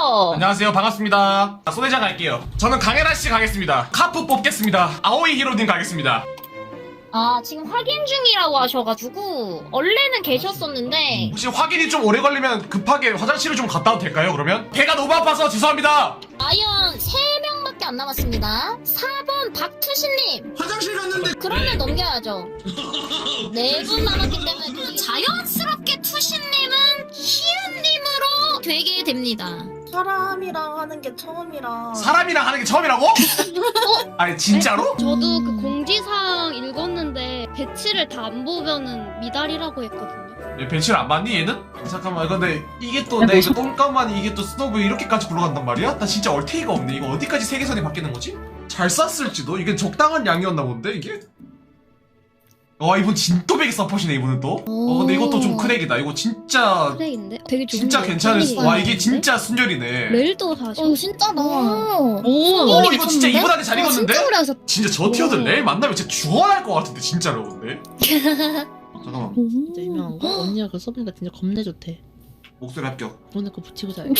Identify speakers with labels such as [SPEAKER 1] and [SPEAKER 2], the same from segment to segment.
[SPEAKER 1] 안녕하세요. 반갑습니다. 손회장 갈게요. 저는 강혜라씨 가겠습니다. 카프 뽑겠습니다. 아오이 히로님 가겠습니다.
[SPEAKER 2] 아, 지금 확인 중이라고 하셔가지고 원래는 계셨었는데
[SPEAKER 1] 혹시 확인이 좀 오래 걸리면 급하게 화장실을 좀 갔다 와도 될까요? 그러면? 배가 너무 아파서 죄송합니다.
[SPEAKER 2] 아이언 3명밖에 안 남았습니다. 4번 박투신님.
[SPEAKER 3] 화장실 갔는데
[SPEAKER 2] 그러면 넘겨야죠. 4분 남았기 때문에 자연스럽게 투신님은 희은님으로 되게 됩니다.
[SPEAKER 4] 사람이랑 하는 게 처음이라.
[SPEAKER 1] 사람이랑 하는 게 처음이라고? 아니 진짜로?
[SPEAKER 5] 저도 그 공지사항 읽었는데 배치를 다 안 보면은 미달이라고 했거든요.
[SPEAKER 1] 얘 배치를 안 받니 얘는? 잠깐만 근데 이게 또 내 이거 똥감만이 이게 또 스노브 이렇게까지 굴러간단 말이야? 나 진짜 얼테이가 없네. 이거 어디까지 세계선이 바뀌는 거지? 잘 쌌을지도? 이게 적당한 양이었나 본데 이게? 와 이분 진또배기 서폿이네 이분은 또. 근데 이것도 좀 큰 액이다. 이거 진짜
[SPEAKER 5] 트레인데 되게 좋은
[SPEAKER 1] 진짜
[SPEAKER 5] 거
[SPEAKER 1] 괜찮을 수. 와 이게
[SPEAKER 5] 있는데?
[SPEAKER 1] 진짜 순결이네.
[SPEAKER 5] 레일도 사셔.
[SPEAKER 2] 진짜다.
[SPEAKER 1] 오 이거 진짜 이분한테 잘 익었는데?
[SPEAKER 5] 진짜 오래 하셨.
[SPEAKER 1] 진짜 저 티어들 레일 만나면 진짜 죽어날 것 같은데 진짜로 근데. 잠깐만
[SPEAKER 6] 진짜 유명한 거? 언니가 그거 써보니까 진짜 겁내 좋대.
[SPEAKER 1] 목소리 합격.
[SPEAKER 6] 오늘 그거 붙이고 자요.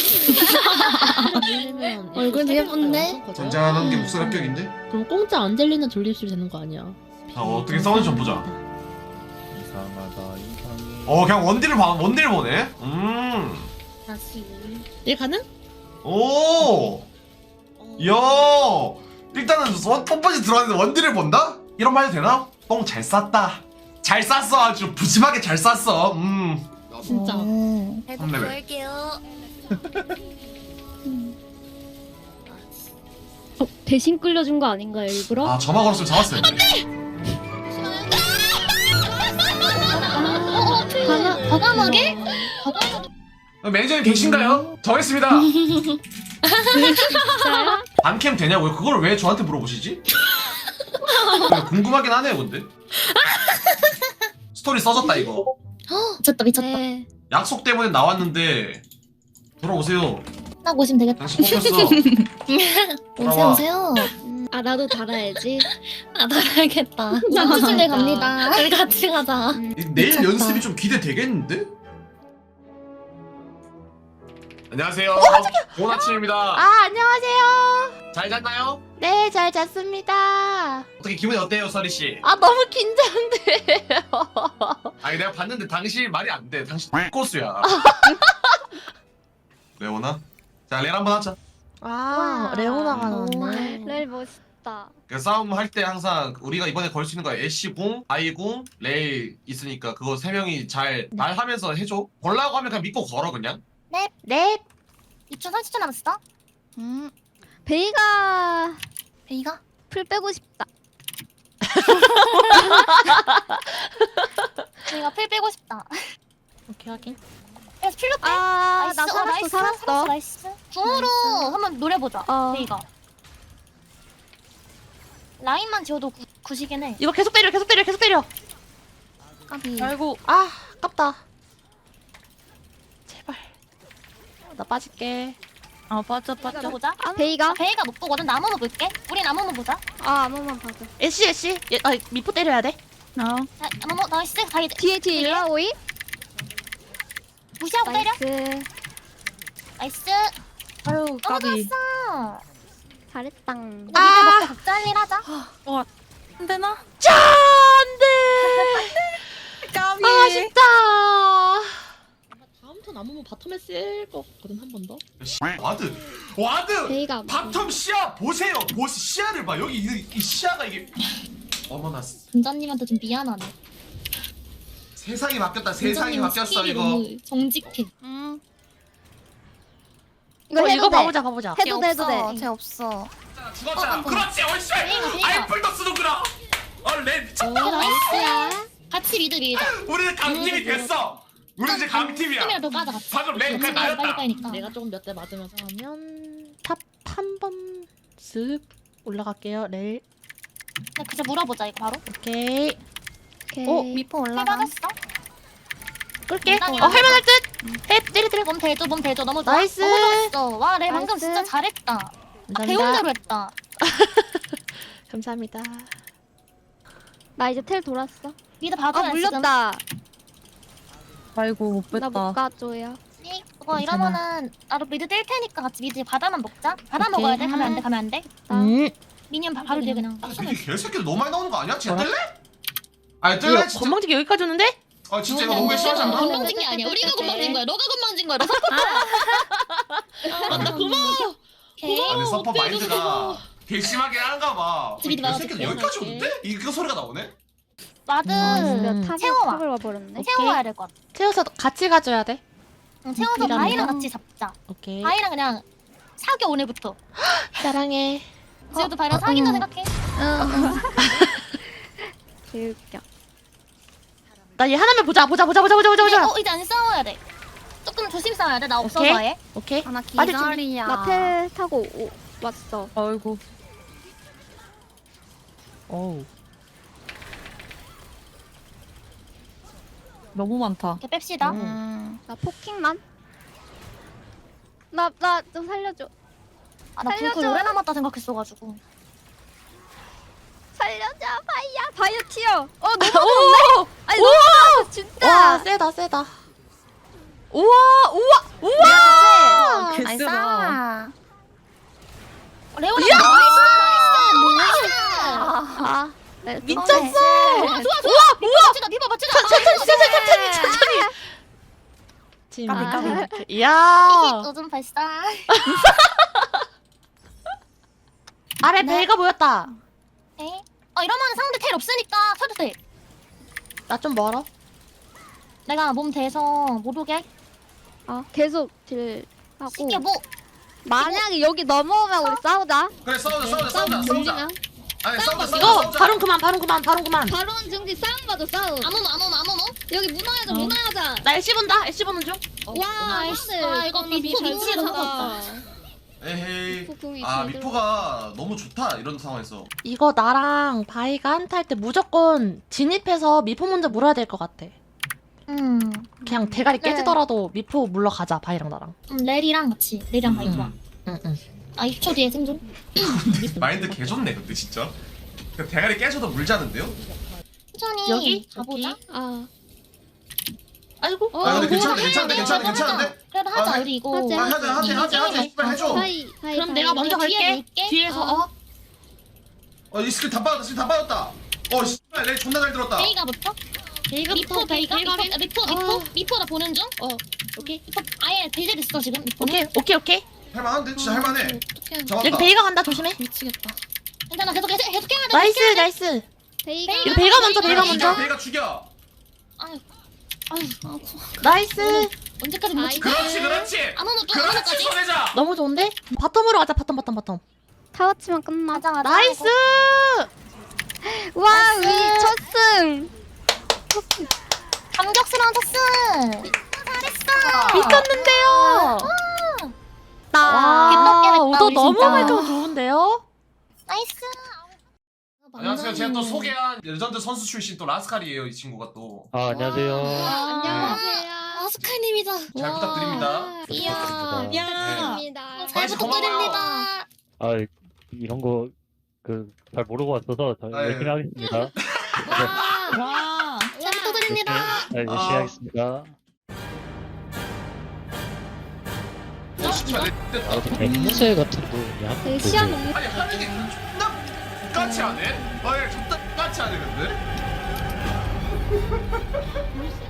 [SPEAKER 5] 얼굴도 예쁜데?
[SPEAKER 1] 전자하는 게 목소리 합격인데?
[SPEAKER 6] 그럼 공짜 안젤리나 졸립술 되는 거 아니야?
[SPEAKER 1] 자 어떻게 싸우는지 좀 보자.
[SPEAKER 3] 이상하다 이상해.
[SPEAKER 1] 그냥 원딜 보네.
[SPEAKER 2] 다시.
[SPEAKER 6] 얘 가능?
[SPEAKER 1] 오. 야. 일단은 뻔뻔히 들어왔는데 원딜을 본다? 이런 말 해도 되나? 똥 잘 쌌다. 잘 쌌어 아주 부심하게 잘 쌌어.
[SPEAKER 6] 진짜.
[SPEAKER 2] 배도
[SPEAKER 1] 3레벨.
[SPEAKER 2] 구할게요.
[SPEAKER 5] 대신 끌려준 거 아닌가요 일부러?
[SPEAKER 1] 아 점화 걸었으면 잡았어요.
[SPEAKER 2] 과감하게?
[SPEAKER 1] 매니저님 계신가요? 정했습니다.
[SPEAKER 5] 진짜요?
[SPEAKER 1] 반캠 되냐고요? 그걸 왜 저한테 물어보시지? 궁금하긴 하네요 근데. 스토리 써졌다 이거.
[SPEAKER 2] 미쳤다 미쳤다.
[SPEAKER 5] 네.
[SPEAKER 1] 약속 때문에 나왔는데 돌아오세요.
[SPEAKER 2] 딱 오시면 되겠다.
[SPEAKER 1] 당신 뽑혔어.
[SPEAKER 2] 오세요
[SPEAKER 1] 돌아와.
[SPEAKER 2] 오세요.
[SPEAKER 5] 아 나도 달아야지.
[SPEAKER 2] 아 나가야겠다. 투신들 갑니다. 우리 같이 가자.
[SPEAKER 1] 내일
[SPEAKER 2] 미쳤다.
[SPEAKER 1] 연습이 좀 기대되겠는데? 안녕하세요. 좋은 아침입니다.
[SPEAKER 7] 아, 안녕하세요.
[SPEAKER 1] 잘 잤나요?
[SPEAKER 7] 네, 잘 잤습니다.
[SPEAKER 1] 어떻게 기분이 어때요, 서리 씨?
[SPEAKER 7] 아, 너무 긴장돼요.
[SPEAKER 1] 아니 내가 봤는데 당신 말이 안 돼. 당신 꼬수야. 레오나? 자, 레일 한번 하자.
[SPEAKER 7] 아, 레오나가 나왔네.
[SPEAKER 5] 레일 멋있다.
[SPEAKER 1] 그 싸움 할 때 항상 우리가 이번에 걸 수 있는 거야. 애쉬 궁, 아이 궁, 레일 있으니까 그거 세 명이 잘 말하면서 해줘. 걸라고 하면 그냥 믿고 걸어 그냥.
[SPEAKER 7] 네.
[SPEAKER 2] 2초 30초 남았어.
[SPEAKER 5] 베이가
[SPEAKER 2] 베이가?
[SPEAKER 5] 풀 빼고 싶다.
[SPEAKER 2] 베이가 필 빼고 싶다.
[SPEAKER 6] 오케이 확인.
[SPEAKER 2] 그래서 필로 빼.
[SPEAKER 5] 아,
[SPEAKER 2] 나이스.
[SPEAKER 5] 나 살았어.
[SPEAKER 2] 나이스. 궁으로 한번 노려보자. 베이가. 라인만 지워도 구시긴 해.
[SPEAKER 7] 이거 계속 때려, 계속 때려, 계속 때려.
[SPEAKER 2] 까비.
[SPEAKER 7] 아이고, 아, 아깝다. 제발. 나 빠질게.
[SPEAKER 2] 보자.
[SPEAKER 5] 베이가?
[SPEAKER 2] 베이가 못 보거든. 나무만 볼게. 우리 나무만 보자.
[SPEAKER 5] 아 아무만 봐줘.
[SPEAKER 7] 애쉬. 미포 때려야 돼.
[SPEAKER 2] 자, 나무 나이스. 가이드.
[SPEAKER 5] 뒤에
[SPEAKER 2] 뒤에?
[SPEAKER 5] 일라오이.
[SPEAKER 2] 무시하고 때려.
[SPEAKER 5] 나이스.
[SPEAKER 2] 나이스.
[SPEAKER 6] 아유 까비.
[SPEAKER 2] 좋았어.
[SPEAKER 5] 잘했당.
[SPEAKER 2] 이거 미드 먹고 각자 할 일 하자.
[SPEAKER 4] 안 되나?
[SPEAKER 7] 짠! 안 돼!
[SPEAKER 4] 까비.
[SPEAKER 7] 아쉽다.
[SPEAKER 6] 다음 턴 아무면 바텀에 쓸것 같거든 한 번 더.
[SPEAKER 1] 와드.
[SPEAKER 5] 베이가
[SPEAKER 1] 바텀 시야 보세요. 시야를 봐. 여기 이 시야가 이게. 어머나.
[SPEAKER 2] 군자님한테 좀 미안하네.
[SPEAKER 1] 세상이 바뀌었다. 세상이
[SPEAKER 2] 군자님
[SPEAKER 1] 바뀌었어
[SPEAKER 2] 스킬이
[SPEAKER 1] 이거.
[SPEAKER 2] 너무 정직해.
[SPEAKER 7] 이거 봐보자.
[SPEAKER 5] 해도 돼.
[SPEAKER 2] 쟤 없어.
[SPEAKER 1] 죽었잖아. 그렇지. 얼씨.
[SPEAKER 2] 베이가.
[SPEAKER 1] 아이플도 쓰는구나. 레 미쳤다.
[SPEAKER 2] 나이스야. 같이 미드 밀자.
[SPEAKER 1] 우리는 강팀이 됐어. 우리 이제 강팀이야.
[SPEAKER 2] 팀이라도 까자 같이.
[SPEAKER 1] 방금 레 그냥
[SPEAKER 2] 빨리
[SPEAKER 1] 나였다.
[SPEAKER 2] 까니까.
[SPEAKER 6] 내가 조금 몇 대 맞으면서
[SPEAKER 7] 그러면 탑 한 번 쓱 올라갈게요. 레일.
[SPEAKER 2] 그냥 물어보자 이거 바로.
[SPEAKER 7] 오케이.
[SPEAKER 5] 오케이.
[SPEAKER 2] 미포 올라가. 맞았어?
[SPEAKER 7] 끌게.
[SPEAKER 2] 일단은
[SPEAKER 7] 할만할 듯. 해, 때려.
[SPEAKER 2] 몸 대줘. 너무 좋아.
[SPEAKER 7] 나이스.
[SPEAKER 2] 너무 좋았어. 와, 레 방금
[SPEAKER 5] 나이스.
[SPEAKER 2] 진짜 잘했다.
[SPEAKER 7] 감사합니다.
[SPEAKER 2] 배운 대로 했다.
[SPEAKER 7] 감사합니다.
[SPEAKER 5] 나 이제 텔 돌았어.
[SPEAKER 2] 미드 봐줘야
[SPEAKER 5] 아 물렸다.
[SPEAKER 4] 아이고 못
[SPEAKER 5] 나 못
[SPEAKER 4] 뺐다.
[SPEAKER 5] 가줘요.
[SPEAKER 2] 지금. 이러면은 나도 미드 뛸 테니까 같이 미드 바다만 먹자. 바다
[SPEAKER 7] 오케이.
[SPEAKER 2] 먹어야 돼. 가면 안 돼. 가면 안 돼. 미니언 바로 뒤에 그냥 딱
[SPEAKER 1] 이게 개새끼들 너무 많이 나오는 거 아니야? 쟤
[SPEAKER 7] 뭐라?
[SPEAKER 1] 뜰래? 아니
[SPEAKER 7] 이거
[SPEAKER 1] 뜰래 진짜?
[SPEAKER 7] 건방지게 여기까지 오는데?
[SPEAKER 1] 아 진짜 이거 너무 심하지 않나?
[SPEAKER 5] 건방진 게 아니야. 우리가 건방진 거야. 너가 건방진 거야.
[SPEAKER 6] 나 고마워.
[SPEAKER 2] 오케이.
[SPEAKER 1] 아니 서퍼
[SPEAKER 5] 어때,
[SPEAKER 1] 마인드가 개 심하게 한가 봐.
[SPEAKER 5] 집이
[SPEAKER 1] 개새끼들
[SPEAKER 5] 나가서
[SPEAKER 1] 여기까지 오는데? 이거 소리가 나오네?
[SPEAKER 2] 마드 채워와.
[SPEAKER 5] 와버렸네.
[SPEAKER 2] 채워와야 될 것 같아.
[SPEAKER 7] 채워서 같이 가줘야 돼.
[SPEAKER 2] 채워서
[SPEAKER 7] 미라미랑?
[SPEAKER 2] 바이랑 같이 잡자.
[SPEAKER 7] 오케이.
[SPEAKER 2] 바이랑 그냥 사겨 오늘부터.
[SPEAKER 7] 사랑해.
[SPEAKER 2] 지금도 바이랑 사귄다 생각해.
[SPEAKER 5] 개웃겨.
[SPEAKER 7] 나 얘 하나만 보자.
[SPEAKER 2] 이제 안 싸워야 돼. 조금 조심 싸워야 돼. 나 없어서
[SPEAKER 7] 오케이.
[SPEAKER 2] 아예.
[SPEAKER 7] 오케이.
[SPEAKER 5] 나
[SPEAKER 7] 빠질 준비.
[SPEAKER 5] 기다리야. 나텔 타고 왔어.
[SPEAKER 6] 아이고.
[SPEAKER 7] 어우.
[SPEAKER 6] 너무 많다.
[SPEAKER 2] 이렇게 뺍시다.
[SPEAKER 5] 나 포킹만. 나 좀 살려줘.
[SPEAKER 2] 나 불클
[SPEAKER 5] 살려줘.
[SPEAKER 2] 오래 남았다 생각했어가지고.
[SPEAKER 5] 살려줘 바이야. 바이어 튀어. 너무
[SPEAKER 7] 오!
[SPEAKER 5] 아니
[SPEAKER 7] 우와!
[SPEAKER 5] 너무 진짜.
[SPEAKER 7] 와, 세다. 우와!
[SPEAKER 2] 나이스.
[SPEAKER 6] 개쎄다.
[SPEAKER 2] 레오나
[SPEAKER 7] 이야!
[SPEAKER 2] 나이스.
[SPEAKER 5] 아,
[SPEAKER 7] 미쳤어!
[SPEAKER 2] 맞추자. 비버 맞추자.
[SPEAKER 7] 천천히.
[SPEAKER 2] 까비.
[SPEAKER 7] 이야.
[SPEAKER 2] 요즘 발사.
[SPEAKER 7] 아래 벨가 보였다.
[SPEAKER 2] 에이. 이러면 상대 텔 없으니까 쳐도 돼.
[SPEAKER 7] 나 좀 멀어.
[SPEAKER 2] 내가 몸 대서 못 오게 할게.
[SPEAKER 5] 계속 딜 하고.
[SPEAKER 2] 쉽게 뭐.
[SPEAKER 5] 만약에 여기 넘어오면 우리 싸우자.
[SPEAKER 1] 그래 싸우자. 아니 싸우자.
[SPEAKER 7] 이거 바론 그만.
[SPEAKER 5] 바론 중지 싸움 가죠 싸움.
[SPEAKER 2] 아무모.
[SPEAKER 5] 여기 문화하자.
[SPEAKER 7] 나 LC 본다. LC 보는 중.
[SPEAKER 5] 와
[SPEAKER 2] 나이스. 이거 미포 미치를 하고
[SPEAKER 1] 에헤이.
[SPEAKER 5] 궁이
[SPEAKER 1] 아
[SPEAKER 5] 제대로.
[SPEAKER 1] 미포가 너무 좋다 이런 상황에서.
[SPEAKER 7] 이거 나랑 바이가 한타 할 때 무조건 진입해서 미포 먼저 물어야 될 것 같아. 그냥 대가리
[SPEAKER 2] 네.
[SPEAKER 7] 깨지더라도 미포 물러가자, 바이랑 나랑.
[SPEAKER 2] 레리랑 같이. 레리랑 바이 좋아.
[SPEAKER 7] 응.
[SPEAKER 2] 20초 뒤에 생존.
[SPEAKER 1] 마인드 개 좋네 근데 진짜. 그냥 대가리 깨져도 물자는데요?
[SPEAKER 2] 천천히
[SPEAKER 7] 여기?
[SPEAKER 2] 가보자.
[SPEAKER 7] 아이고.
[SPEAKER 1] 아 근데 괜찮은데?
[SPEAKER 2] 그래도 하자.
[SPEAKER 1] 아,
[SPEAKER 2] 우리 이거.
[SPEAKER 5] 하자.
[SPEAKER 1] 하자. 씨발 해줘.
[SPEAKER 7] 그럼 내가 먼저
[SPEAKER 2] 뒤에
[SPEAKER 7] 갈게.
[SPEAKER 2] 밀게.
[SPEAKER 7] 뒤에서
[SPEAKER 1] 이 스킬 다 빠졌다. 씨발 레이 존나 잘 들었다.
[SPEAKER 2] 베이가 붙어? 미포 베이가? 미포 나 보는 중?
[SPEAKER 5] 오케이.
[SPEAKER 2] 미포 아예 배제 됐어 지금 미포는.
[SPEAKER 7] 오케이.
[SPEAKER 1] 할만한데? 진짜 할만해.
[SPEAKER 7] 여기
[SPEAKER 1] 잡았다.
[SPEAKER 7] 베이가 간다, 조심해.
[SPEAKER 5] 미치겠다.
[SPEAKER 2] 괜찮아 계속 해야 돼.
[SPEAKER 7] 나이스.
[SPEAKER 5] 베이가.
[SPEAKER 7] 이거 베이가 먼저.
[SPEAKER 1] 베이가 죽여.
[SPEAKER 7] 나이스.
[SPEAKER 2] 언제까지 못 찍?
[SPEAKER 1] 그렇지.
[SPEAKER 2] 아무도 또
[SPEAKER 1] 그렇지
[SPEAKER 2] 아무도까지.
[SPEAKER 1] 손해자.
[SPEAKER 7] 너무 좋은데? 바텀으로 가자, 바텀.
[SPEAKER 5] 타워 치면 끝나자.
[SPEAKER 2] 맞아.
[SPEAKER 7] 나이스.
[SPEAKER 5] 와,
[SPEAKER 2] 나이스.
[SPEAKER 5] 우리 첫 승.
[SPEAKER 2] 감격스러운 토스. 잘했어.
[SPEAKER 7] 미쳤는데요. 와,
[SPEAKER 2] 개떡
[SPEAKER 7] 오더
[SPEAKER 2] 우리
[SPEAKER 7] 너무
[SPEAKER 2] 진짜.
[SPEAKER 7] 말끔 좋은데요?
[SPEAKER 2] 나이스.
[SPEAKER 1] 안녕하세요. 제가 또 소개한 레전드 선수 출신 또 라스칼이에요. 이 친구가 또.
[SPEAKER 3] 안녕하세요.
[SPEAKER 5] 안녕하세요.
[SPEAKER 2] 아스카님이다.
[SPEAKER 1] 잘 부탁드립니다.
[SPEAKER 2] 이야.
[SPEAKER 5] 부탁드립니다.
[SPEAKER 2] 잘 부탁드립니다.
[SPEAKER 3] 이런 거 잘 모르고 왔어서 열심히 하겠습니다.
[SPEAKER 6] 와.
[SPEAKER 2] 잘 부탁드립니다.
[SPEAKER 3] 열심히 하겠습니다. 앵무새 같은 거
[SPEAKER 5] 되게 시야 너무
[SPEAKER 1] 아니 하는 게 존나 까치 하네? 존나 까치 하네 근데?